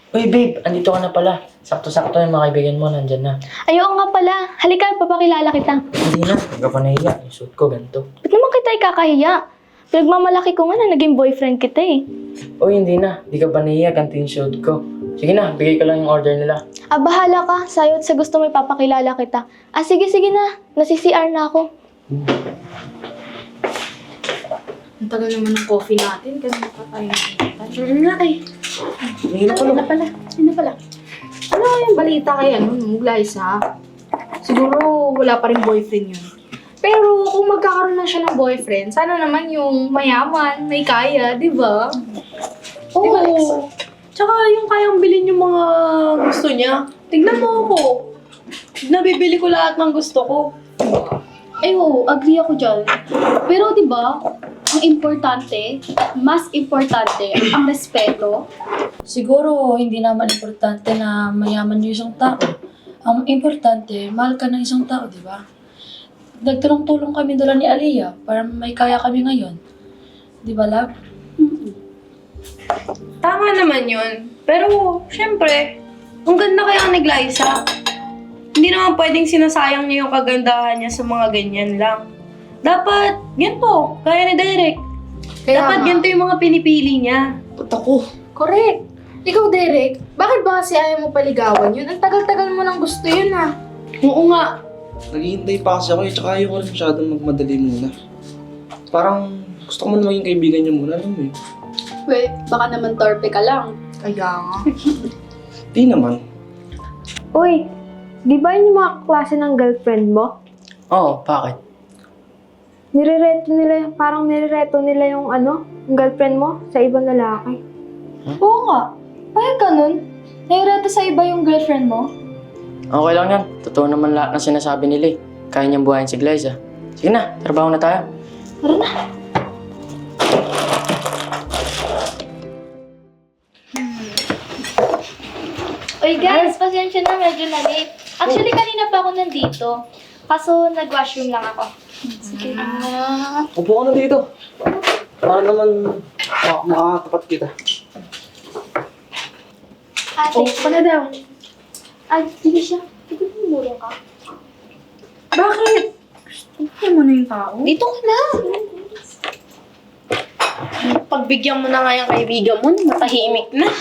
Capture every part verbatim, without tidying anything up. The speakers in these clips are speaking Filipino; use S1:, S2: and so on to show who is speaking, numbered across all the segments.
S1: Uy, babe, andito ka na pala. Sakto-sakto yung mga kaibigan mo, nandyan na.
S2: Ayaw nga pala. Halika, papakilala kita.
S1: Hindi na, hindi ka pa nahiya. Yung suit ko, ganito.
S2: Ba't naman kita ikakahiya? Pinagmamalaki ko nga na naging boyfriend kita eh.
S1: Uy, hindi na. Hindi ka pa nahiya, ganito yung suit ko. Sige na, bigay ko lang yung order nila.
S2: Ah, bahala ka. Sa'yo at sa gusto mo ipapakilala kita. Ah, sige, sige na. Nasi-C R na ako.
S3: Ang tagal naman ng coffee natin kasi pa tayo nakikita.
S2: Ano nga eh.
S1: Hindi na
S3: Ano na pala? Ano na pala? Ano yung balita kay ano, nung Glyza? Siguro wala pa rin boyfriend yun. Pero kung magkakaroon na siya ng boyfriend, sana naman yung mayaman, may kaya, di ba?
S4: Oo.
S3: Di ba, Lexa?
S4: Tsaka yung kayang bilhin yung mga gusto niya. Tignan mo ako. Nabibili ko lahat ng gusto ko.
S5: Ay, oo, agree ako dyan. Pero di ba, ang importante, mas importante, ang respeto.
S6: Siguro, hindi naman importante na mayaman yung isang tao. Ang importante, mahal ka ng isang tao, di ba? Nagtulong-tulong kami dala ni Aliyah para may kaya kami ngayon. Di ba, love?
S4: Tama naman yun. Pero, syempre, ang ganda kaya ni Glyza. Hindi naman pwedeng sinasayang niya yung kagandahan niya sa mga ganyan lang. Dapat, ganito, kaya ni Derek.
S3: Kaya
S4: Dapat
S3: nga.
S4: ganito yung mga pinipili niya.
S1: Ba't ako?
S3: Correct. Ikaw, Derek, bakit ba kasi ayaw mo paligawan yun? Ang tagal-tagal mo nang gusto yun, ah.
S4: Oo nga.
S7: Naghihintay pa kasi ako eh, tsaka ayaw ko rin masyadong magmadali muna. Parang gusto ko man maging kaibigan niya muna, alam mo eh.
S5: Wait, baka naman torpe ka lang.
S3: Kaya nga.
S7: Di naman.
S2: Uy, di ba yun yung mga klase ng girlfriend mo?
S1: Oo, bakit?
S2: Nirereto nila, parang nirereto nila yung ano, yung girlfriend mo sa ibang lalaki.
S5: Oo nga. Kaya ganun. Naireto sa iba yung girlfriend mo.
S1: Okay lang yan. Totoo naman lahat ng sinasabi nila eh. Kaya niyang buhayin si Glyza. Sige na, trabaho na tayo.
S5: Tara na.
S2: Uy guys, pasensya na, medyo na late. Actually, kanina pa ako nandito. Kaso, nag-washroom lang ako. Sige na.
S7: Upo ka na dito. Para naman mak- makakatapat kita.
S2: Ate,
S3: Oo ka na daw.
S2: ay, sige siya. Sige, tumulong ka.
S3: Bakit? Gusto mo na yung tao?
S4: Dito ka na. Pagbigyan mo na nga yung kaibigan mo, matahimik na.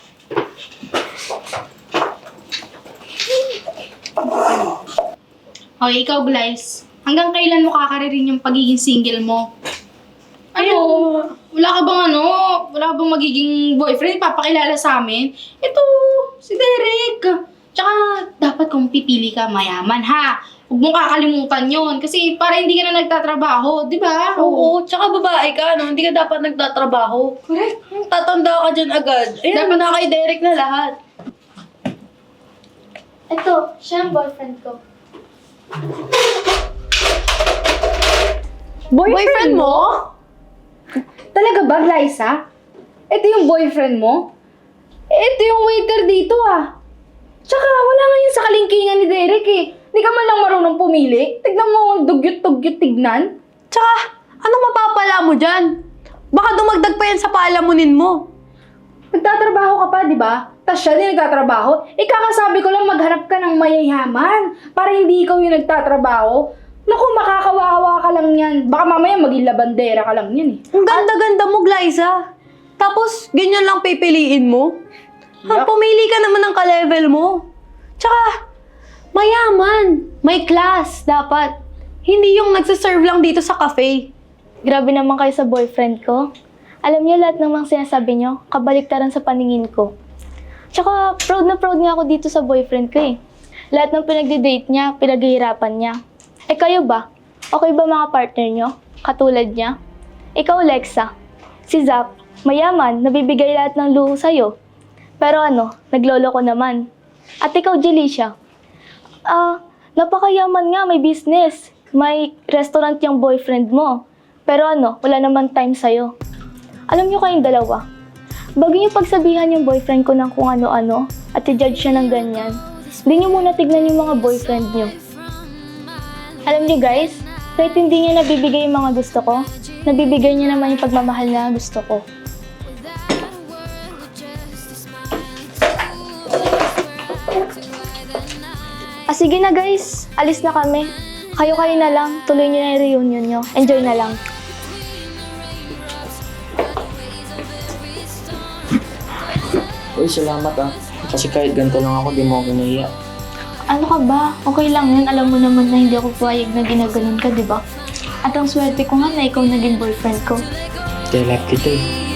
S3: O, ikaw, Glyce. Hanggang kailan mo kakaririn yung pagiging single mo? Ano? Wala ka bang ano? Wala ka bang magiging boyfriend? Papakilala sa amin? Ito, si Derek. Tsaka, dapat kung pipili ka, mayaman, ha? Huwag mong kakalimutan yon kasi para hindi ka na nagtatrabaho, di ba?
S4: Oo, tsaka babae ka, no? Hindi ka dapat nagtatrabaho.
S3: Correct.
S4: Hmm, Tatanda ka dyan agad. Ayan,
S3: Dapat-
S4: na kay Derek na lahat.
S2: Ito, siya ang boyfriend ko.
S4: Boyfriend mo?
S3: Talaga ba, Glyza? Ito yung boyfriend mo? Ito yung waiter dito, ah. Tsaka, wala nga yun sa kalingkingan ni Derek, eh. Hindi ka man lang marunong pumili. Tignan mo, ang dugyot-dugyot tignan.
S4: Tsaka, anong mapapala mo dyan? Baka dumagdag pa yan sa palamunin mo.
S3: Nagtatrabaho ka pa, di ba? Tapos siya din nagtatrabaho. Eh, kakasabi ko lang maghanap ka ng mayayaman para hindi ikaw yung nagtatrabaho. Naku, makakawawa ka lang yan. Baka mamaya maging labandera ka lang yan, eh.
S4: Ang ganda-ganda mo, Glyza. Tapos, ganyan lang pipiliin mo? Ha, pumili ka naman ng ka-level mo. Tsaka, mayaman. May class, dapat. Hindi yung nagsiserve lang dito sa cafe.
S2: Grabe naman kayo sa boyfriend ko. Alam niyo, lahat ng mga sinasabi niyo, kabaliktaran sa paningin ko. Tsaka, proud na proud nga ako dito sa boyfriend ko eh. Lahat ng pinagde-date niya, pinaghihirapan niya. Eh kayo ba? Okay ba mga partner niyo? Katulad niya? Ikaw, Lexa. Si Zach, mayaman, nabibigay lahat ng luho sa'yo. Pero ano, naglolo ko naman. At ikaw, Jelicia. Ah, napakayaman nga, may business. May restaurant yung boyfriend mo. Pero ano, wala naman time sa'yo. Alam niyo kayong dalawa, bago niyo pagsabihan yung boyfriend ko ng kung ano-ano at i-judge siya ng ganyan, hindi niyo muna tignan yung mga boyfriend niyo. Alam niyo guys, kahit hindi niya nabibigay yung mga gusto ko, nabibigay niya naman yung pagmamahal na gusto ko. sige na guys, alis na kami. Kayo-kayo na lang, tuloy nyo na yung reunion nyo. Enjoy na lang.
S1: Uy, salamat ah. Kasi kahit ganito lang ako, di mo ako nahiya.
S2: Ano ka ba? Okay lang yun. Alam mo naman na hindi ako payag na ginaganon ka, di ba? At ang swerte ko nga na ikaw naging boyfriend ko.
S1: Kaya love kita eh.